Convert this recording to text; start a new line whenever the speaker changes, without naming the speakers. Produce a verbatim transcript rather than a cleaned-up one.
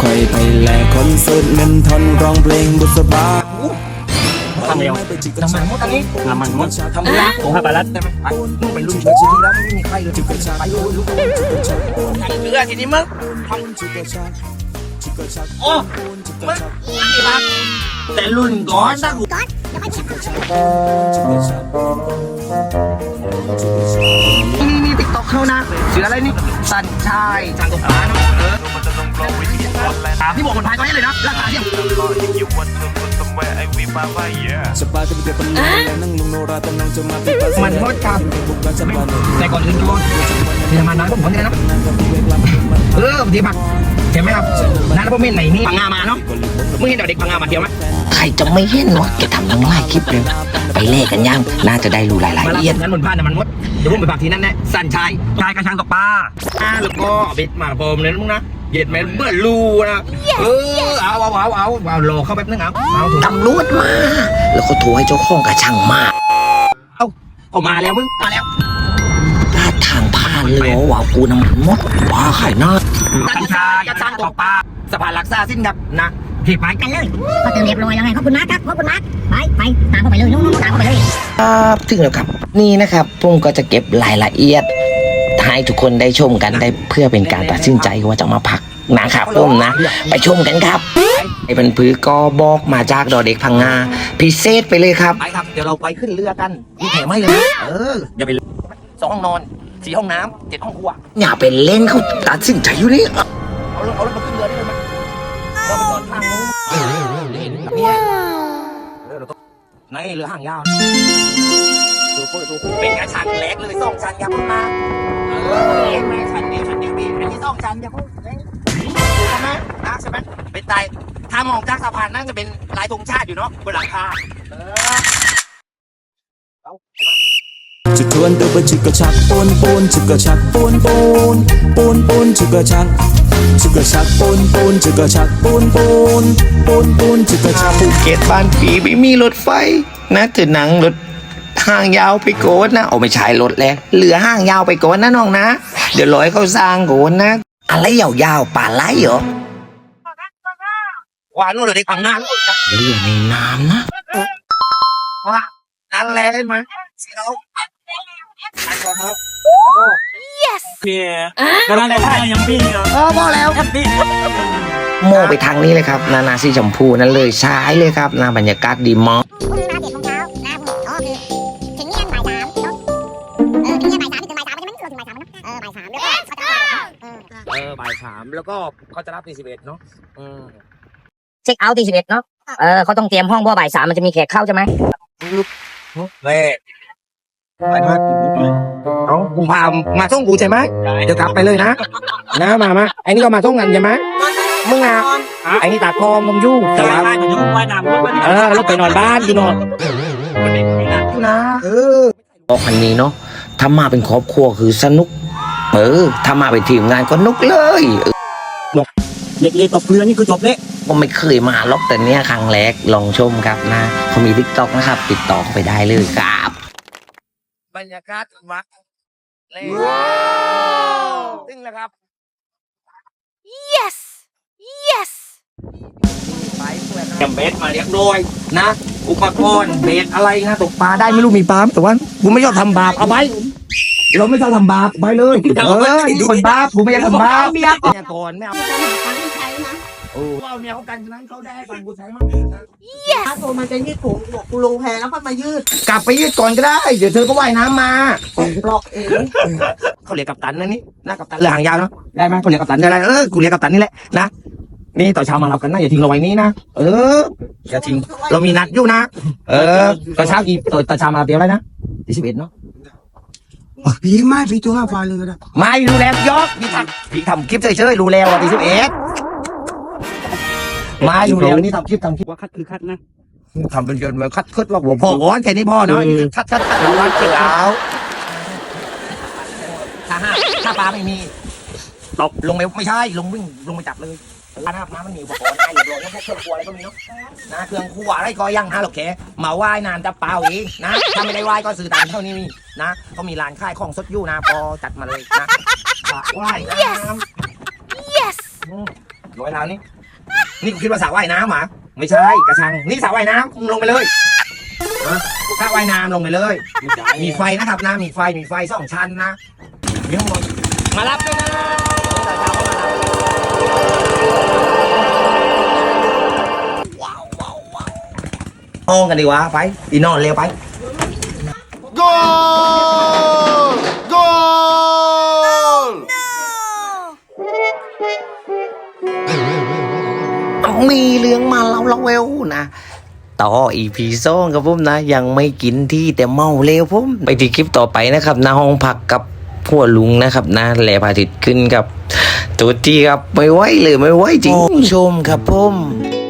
ค่อยไปแลกคอนเสิร์ตเงินทอนร้องเพลงบุษบา
ทำเร็วน้ำมันมดอันนี้น้ำมันมดทำละโอ้ห้าปลาลัดได้ไหมไปมึงเป็นรุ่นชีวิตแล้วไม่มีใครเลยไปดูลูกเรือทีนี้มึงโอ้มึงแต่รุ่นก่อนนะกูนี่นี่ติ๊กต็อกเขานะเสืออะไรนี่สันชายจางตกปลาเนาะเออถามที่บอกคนพายตอนนี้เลยนะราคาเที่ยงมันหมดครับแต่ก่อนอื่นก่อนมีน้ำมันน้ำก็หมดเลยนะเออดีมากเห็นไหมครับน้ำพวกเม่นไหนนี่พังงามาเนาะมึงเห็นเด็กพังงามาเที่ยวไหม
ใครจะไม่เห็นวะแกทำทั้งหลายคลิปเลยไปเล่กันยังน่าจะได้รู้รายละเอียด
นั้นบนผ้าน้ำมันมดเดี๋ยวผมไปฝากทีนั้นแน่สันชายชายกระชังตกปลาอ่าแล้วก็เบ็ดมาพรมเลยนะมึงนะเย็ดแม่เบื่อรูนะเออเอาเอาเอาเอาเอารอเข้าแป๊บนึงเอาเอา
ตำรวจมาแล้วเขาโทรให้เจ้าของกระชังมา
เอาเอามาแล้วมึงมาแล้ว
ลาดทางผ่านเลยว่ากูน้ำมันมดว้าไข่น่า
สันชายกระชังตกปลาสะพานลักษาสิ้นครับนะถีบไปกันเลย
พอเติมเรียบร้อยแล้วไงขอบคุณมากครับขอบคุณมากไปไปตามเข้าไปเลยน้องๆตามเข้าไปเลย
ครับถึงแล้วครับนี่นะครับผมก็จะเก็บรายละเอียดให้ทุกคนได้ชมกันได้เพื่อเป็นการตัดสินใจว่าจะมาพักนะครับผมนะไปชมกันครับไอ้เป็นพื้นก็บอกมาจากดอเด็กพังงาพิเศษไปเลยครับ
ไปครับเดี๋ยวเราไปขึ้นเรือกันมีแถมให้เลยนะเอออย่าไปสองห้องนอนสี่ห้องน้ำเจ็ดห้องครัว
อย่าเป็นเล่นเขาตัดสินใจอยู่นี่
เอาเรื่องเอาเรื่องมาขึ้นเรือได้เลยไหมเราไปนอนข้างนู้นเนี่ยเออเราต้องในเรือห่างยาวดูโคตรดูเป็นกระชังเล็กเลยสองชั้นยาวมากเออเล็กไหมชั้นเดียวชั้นเดียวบีอันนี้สองชั้นยาวดูใช่ไหมนะใช่ไหมเป็นไตถ้ามองจากสะพานนั่นจะเป็นลายธงชาติอยู่เนาะบนหลังคาเออ
จะทวนเดินไปจิกกระชักปูนปูนจิกกระชักปูนปูนปูนปูนจิกกระชักจิกกระชักปูนปูนจิกกระชักปูนปูนปูนปูนจิกกระชัก
ภูเก็ตบ้านผีไม่มีรถไฟนะถือหนังรถห้างยาวไปโกนนะเอาไม่ใช่รถแล้วเหลือห้างยาวไปโกนนะน้องนะเดี๋ยวร้อยเขาสร้างโกนนะอะไรยาวๆป่าไหลเหรอ
หวานนู่นเลยพังงา
เรือในน้ำนะ
ว่านั่นแหละเห็นไหมเรา
yes
เนี่ยก็นั่นแหละยังพี่เหรอ
อ๋อพอแล้วครับพี่โมไปทางนี้เลยครับนานาสีชมพูนั่นเลยใช้เลยครับนาบรรยากาศดีมาก
พรุ่งนี้มาเจ็ดโมงเช้าหน้าผมอ๋อคือถึงนี่บ่ายสามเนาะเออถึงนี่บ่ายสามถึงบ่ายสามใช่ไหมถึงบ่ายสามเนาะเออบ่ายสามแล้วก็เขาจะ
เออบ่ายสามแล้วก็เขาจะรับตีสิบเอ็ดเนาะอืม
เช็คเอาท์ตีสิบเอ็ดเนาะเออเขาต้องเตรียมห้องเพราะบ่ายสามมันจะมีแขกเข้าใช่ไหม
เล่ไปมาเอากูพามาส่งกูใช่ไหมเดี๋ยวกลับไปเลยนะนะมามาไอ้นี่ก็มาส่งกันใช่ไหมมึงอ่ะไอ้นี่ตาทองมึงยุ่งแต่ว่าเออแล้วไปนอนบ้านกูนอนนะเออ
บอกคันนี้เนาะถ้ามาเป็นครอบครัวคือสนุกเออถ้ามาเป็นทีมงานก็นุกเลย
เด็กๆตบเรือนี่คือจบเลย
ผมไม่เคยมาล็อกแต่เนี้ยครั้งแรกลองชมครับนะเขามีทิกตอกนะครับติดต่อเข้าไปได้เลยครับ
บรรยากาศวัดเลยว้าวซึ่งนะครับ
yes yes
ไปเพื่อนนะเบสมาเรียกโดยนะอุปกรณ์เบสอะไรนะตกปลาได้ไม่รู้มีปลาแต่ว่ากูไม่ชอบทำบาปเอาไปเราไม่ชอบทำบาปไปเลยเออคนบาปกูไม่อยากทำบาปเมียก่อนไม่เอาโอ้เอาเมียเขากันฉะนั้นเขาได้ให้กันกูใช้มั้ง
yes
ถ้าโทรมาจะยืดผมบอกกูลงแพแล้วก็มายืด
กลับไปยืดก่อนก็ได้เดี๋ยวเธอก็ว่ายน้ำมา
ปลอกเอง
เขาเรียกกัปตันนะนี่นะกัปตันเรือหางยาวเนาะได้ไหมเขาเรียกกัปตันได้ไรเออกูเรียกกัปตันนี่แหละนะนี่ต่อเช้ามาเรากันนะอย่าทิ้งเราไว้นี่นะเอออย่าทิ้งเรามีนัดอยู่นะเออต่อเช้ากี่ต่อเช้ามาเดี๋ยวอะไรนะที่สิบเอ็ดเนาะ
พี่ไม่พี่ตัวห้าฟันเลยก็ได้
ไม่รู้แล้วยกพี่ทำพี่ทำคลิปเฉยๆรู้แล้วว่าที่สิบเอ็ดมาอยู่แล้วนี่ทำคลิปทำคลิปว่าคัดคือคัดนะทำเป็นจนแบบคัดคัดว่าหัวพ่อก้อนแค่นี้พ่อเนาะคัดคัดคัดวันเช้าถ้าห้าถ้าปลาไม่มีตกลงไปไม่ใช่ลงวิ่งลงไปจับเลยร้านอาบน้ำมันมีอุปกรณ์ให้เรียบร้อยแค่เครื่องครัวอะไรก็มีเนาะนะเครื่องครัวอะไรก็ยังฮะหรอกแค่มาว่ายน้ำจะเปล่าอีกนะถ้าไม่ได้ว่ายก็ซื้อตามเท่านี้นะเขามีร้านขายของสดอยู่นะพอจัดมาเลยนะว่ายน้ำ
yes
ลอยน้ำนี่นี่กูคิดว่าสระว่ายน้ำหรอไม่ใช่กระชังนี่สระว่ายน้ำมึงลงไปเลยนะสระว่ายน้ำลงไปเลยมีไฟนะครับนะมีไฟมีไฟสองชั้นนะมีข้างบนมารับด้วยนะห้องกันดีวะไปอีนอนเร็วไป
มีเรื่องมาเล่าเล่าเวลนะต่ออีพีสองครับผมนะยังไม่กินที่แต่เมาเร็วผมไปที่คลิปต่อไปนะครับนะห้องพักกับพวกลุงนะครับนะแหล่พระอาทิตย์ขึ้นกับตัวที่ครับไม่ไหวเลยไม่ไหวจริงชมครับผม